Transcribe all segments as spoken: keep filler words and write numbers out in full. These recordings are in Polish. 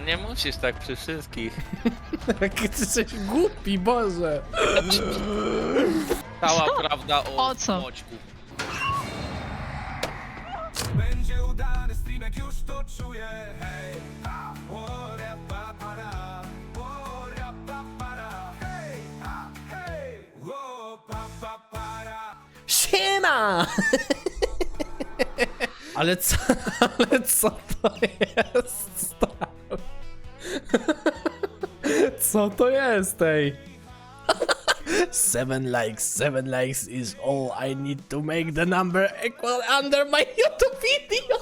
nie musisz tak przy wszystkich. Jaki ty jesteś głupi, Boże. Cała prawda o, O co? Moćku. Będzie udany streamek, już to czuję, hej. A, o, rapa, para, o, rapa, para, hej, a, hej, o, pa, pa, para. Siema! Ale co, ale co to jest, stary? Co to jest, ej? Seven likes, seven likes is all I need to make the number equal under my YouTube video.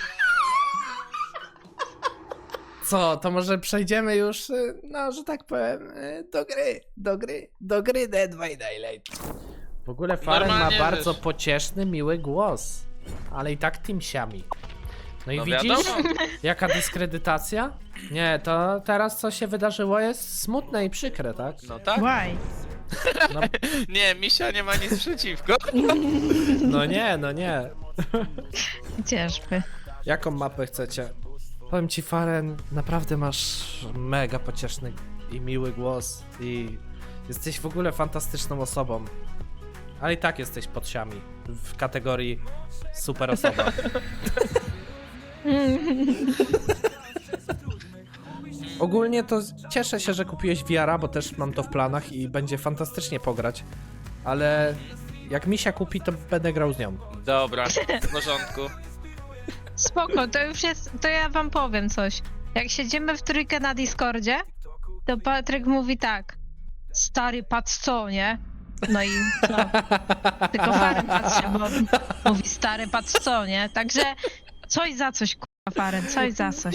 Co, to może przejdziemy już, y, no, że tak powiem, y, do gry, do gry, do gry Dead by Daylight. W ogóle Faren ma Normalnie, bardzo wiesz. pocieszny, miły głos, ale i tak timsiami. No i No widzisz, wiadomo. jaka dyskredytacja? Nie, to teraz co się wydarzyło jest smutne i przykre, tak? No tak? Why? No, Nie, Misia nie ma nic przeciwko. no nie, no nie. Ciężby. Jaką mapę chcecie? Powiem ci, Faren, naprawdę masz mega pocieszny i miły głos i jesteś w ogóle fantastyczną osobą. Ale i tak jesteś pod siami w kategorii super osoba. Ogólnie to cieszę się, że kupiłeś V R a, bo też mam to w planach i będzie fantastycznie pograć. Ale jak Misia kupi, to będę grał z nią. Dobra, w porządku. Spoko, to już jest, to ja wam powiem coś. Jak siedzimy w trójkę na Discordzie, to Patryk mówi tak. Stary, patrz co, nie? No i co? Tylko Faren patrzy, bo on mówi stary, patrz co, nie? Także coś za coś, kurwa Faren, coś za coś.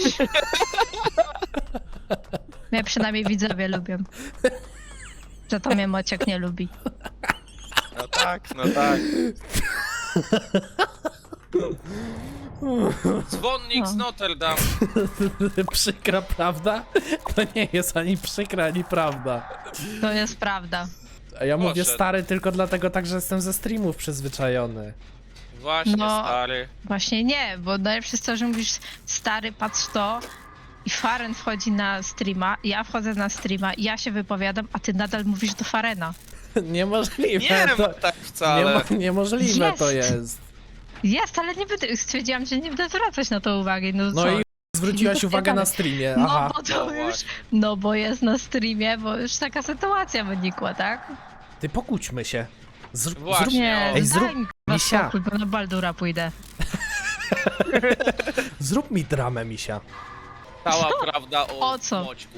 Mnie przynajmniej widzowie lubią. Że to mnie Mociek nie lubi. No tak, no tak. Dzwonnik z No. Notre Dame. Przykra prawda? To nie jest ani przykra, ani prawda. To jest prawda. A ja mówię Poszedł. stary tylko dlatego tak, że jestem ze streamów przyzwyczajony. Właśnie, No. stary. Właśnie nie, bo najlepsze jest to, że mówisz stary, patrz to i Faren wchodzi na streama, ja wchodzę na streama, ja się wypowiadam, a ty nadal mówisz do Farena. Nie Niemożliwe wiem to. tak wcale. Niemo, niemożliwe to Jest. jest. Jest, ale nie będę, stwierdziłam, że nie będę zwracać na to uwagi, no, No co? i zwróciłaś uwagę na streamie. No Aha. bo to No już, właśnie. no bo jest na streamie, bo już taka sytuacja wynikła, tak? Ty pokłóćmy się. Zrób, Właśnie. zrób, Nie, o. Ej, daj zrób- mi kurwa Misia. spokój, bo na Baldura pójdę. zrób mi dramę, Misia. Cała prawda o, O co? Moćku.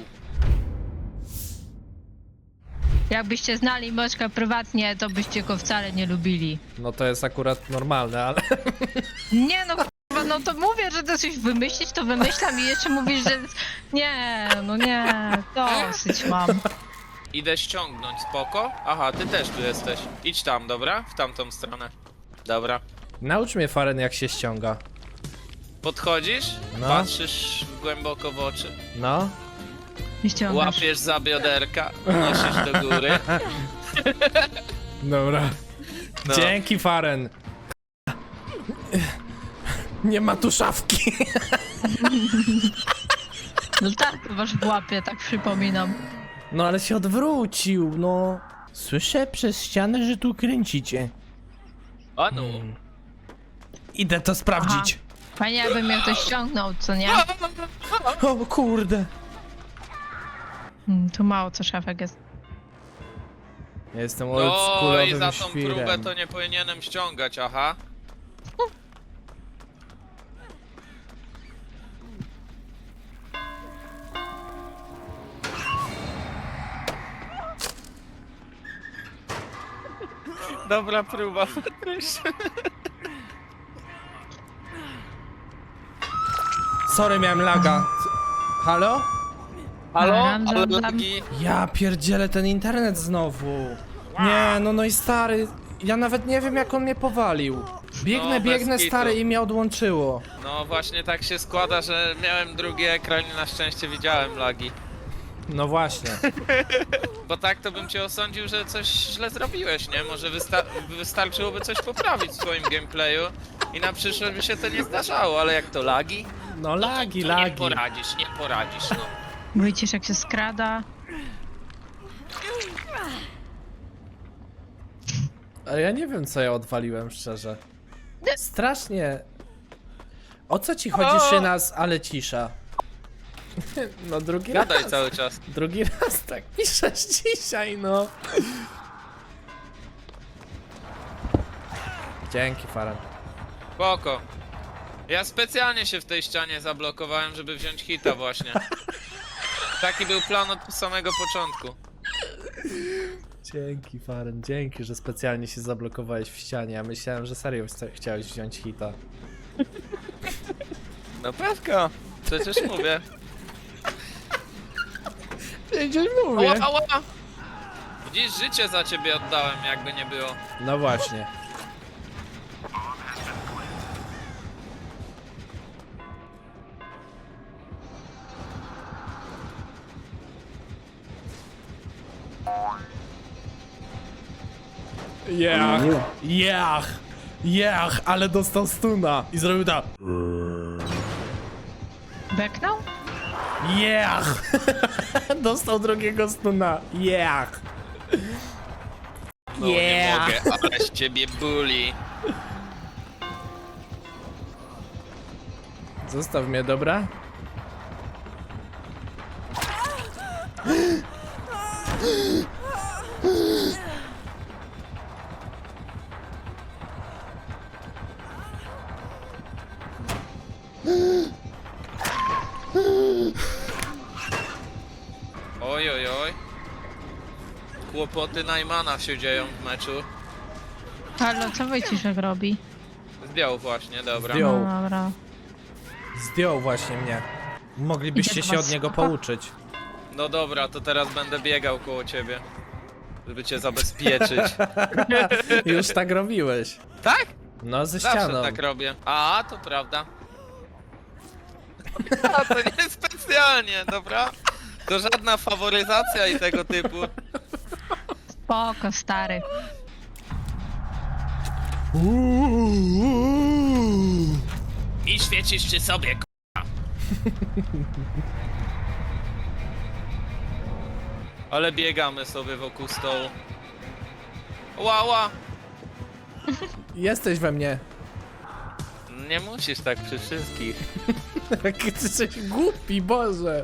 Jakbyście znali Moczka prywatnie, to byście go wcale nie lubili. No to jest akurat normalne, ale... Nie no kurwa, no to mówię, że to coś wymyślić, to wymyślam i jeszcze mówisz, że nie, no nie, dosyć mam. Idę ściągnąć, spoko? Aha, ty też tu jesteś. Idź tam, dobra? W tamtą stronę. Dobra. Naucz mnie, Faren, jak się ściąga. Podchodzisz, No. patrzysz głęboko w oczy, No. Nie ściągasz. łapiesz za bioderka, nosisz do góry. Dobra. No. Dzięki, Faren. Nie ma tu szafki. No tak, masz w łapie, tak przypominam. No ale się odwrócił, no. Słyszę przez ścianę, że tu kręcicie. A no. Idę to sprawdzić. Fajnie jakby mnie ktoś ściągnął, co nie? O kurde. Hmm, tu mało co szafek jest. Ja jestem No i oldschoolowym za tą próbę świrem. to nie powinienem ściągać, aha. Dobra próba. Sorry, miałem laga. Halo? Halo? Ram, Ale ram, ram. lagi? Ja pierdzielę ten internet znowu. Nie, no no i stary, ja nawet nie wiem jak on mnie powalił. Biegnę, No, bez biegnę kitu. stary i mnie odłączyło. No właśnie tak się składa, że miałem drugi ekran i na szczęście widziałem lagi. No właśnie. Bo tak to bym cię osądził, że coś źle zrobiłeś, nie? Może wysta wystarczyłoby coś poprawić w swoim gameplayu, I na przyszłość by się to nie zdarzało, ale jak to lagi? No lagi, to nie lagi. poradzisz, nie poradzisz, no. Widzisz jak się skrada. Ale ja nie wiem, co ja odwaliłem, szczerze. Strasznie. O co ci chodzi, O! Szynas, ale cisza? No drugi Gadaj raz. cały czas. Drugi raz tak piszesz dzisiaj, no. Dzięki, Faran. Spoko. Ja specjalnie się w tej ścianie zablokowałem, żeby wziąć hita właśnie. Taki był plan od samego początku. Dzięki, Faran, dzięki, że specjalnie się zablokowałeś w ścianie. Ja myślałem, że serio chce- chciałeś wziąć hita. No pewka. Przecież mówię. Przecież Ała, ała! Widzisz, życie za ciebie oddałem, jakby nie było. No właśnie. Jach, jach, jach, ale dostał stuna i zrobił tak. Beknął? Jach! Dostał drugiego stuna. Jach! No nie mogę, ale z ciebie buli. Zostaw mnie, dobra? Oj, oj, oj. Kłopoty Najmana się dzieją w meczu. Halo, co Wojciszek robi? Zdjął właśnie, dobra. Zdjął. No, dobra. Zdjął właśnie mnie. Moglibyście Idę do się was, od niego spoko. pouczyć. No dobra, to teraz będę biegał koło ciebie. Żeby cię zabezpieczyć. Już tak robiłeś. Tak? No, ze Zawsze ścianą. tak robię. A, to prawda. A, to nie specjalnie, dobra? To żadna faworyzacja i tego typu. Spoko, stary. I świecisz przy sobie, k***a. Ale biegamy sobie wokół stołu. Łała! Jesteś we mnie. Nie musisz tak przy wszystkich. Jaki ty jesteś głupi, Boże.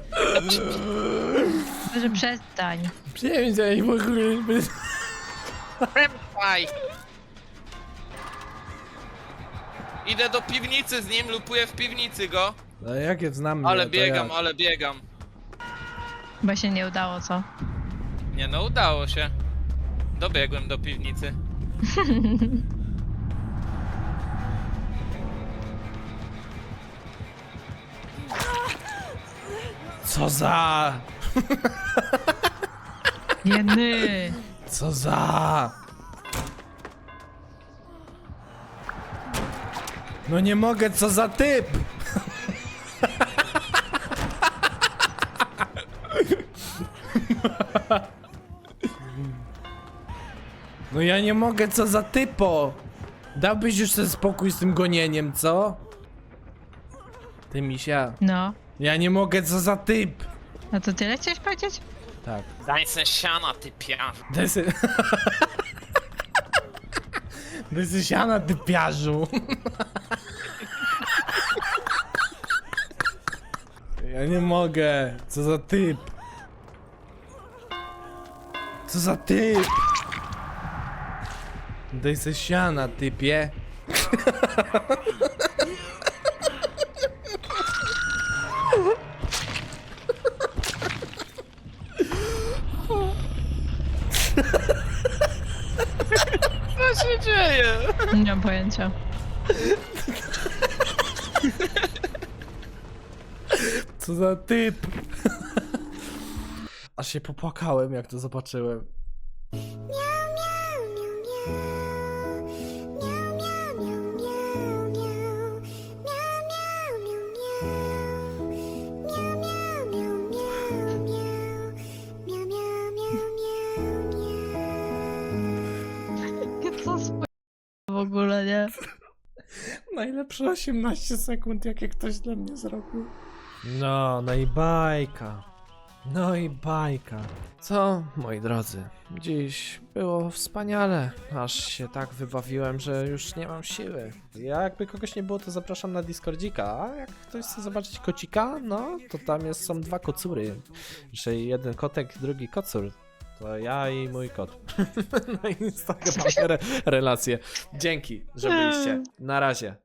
Może przestań. Przestań w ogóle. Prępaj! Idę do piwnicy z nim, lupuję w piwnicy go. No jak je znam mnie, Ale to biegam, jak? ale biegam. Chyba się nie udało, co? Nie no, udało się. Dobiegłem do piwnicy. Co za... Jeny. Co za... No nie mogę, co za typ! No ja nie mogę, co za typo! Dałbyś już ten spokój z tym gonieniem, co? Ty misia. No. Ja nie mogę, co za typ! No to tyle chciałeś powiedzieć? Tak. Daj se siana, ty piarz. Daj se... Daj se siana, ty piarzu! Ja nie mogę! Co za typ! Co za typ! Daj se siana, typie! Co się dzieje? Nie mam pojęcia. Co za typ! Aż się popłakałem, jak to zobaczyłem. Co sp... w ogóle, nie? Najlepsze osiemnaście sekund, jakie ktoś dla mnie zrobił. No, no i bajka. No i bajka. Co, moi drodzy, dziś było wspaniale. Aż się tak wybawiłem, że już nie mam siły. Ja jakby kogoś nie było, to zapraszam na Discordzika, a jak ktoś chce zobaczyć kocika, no to tam jest, są dwa kocury. Że jeden kotek, drugi kocur. To ja i mój kot. Na Instagramie re relacje. Dzięki, że byliście. Na razie.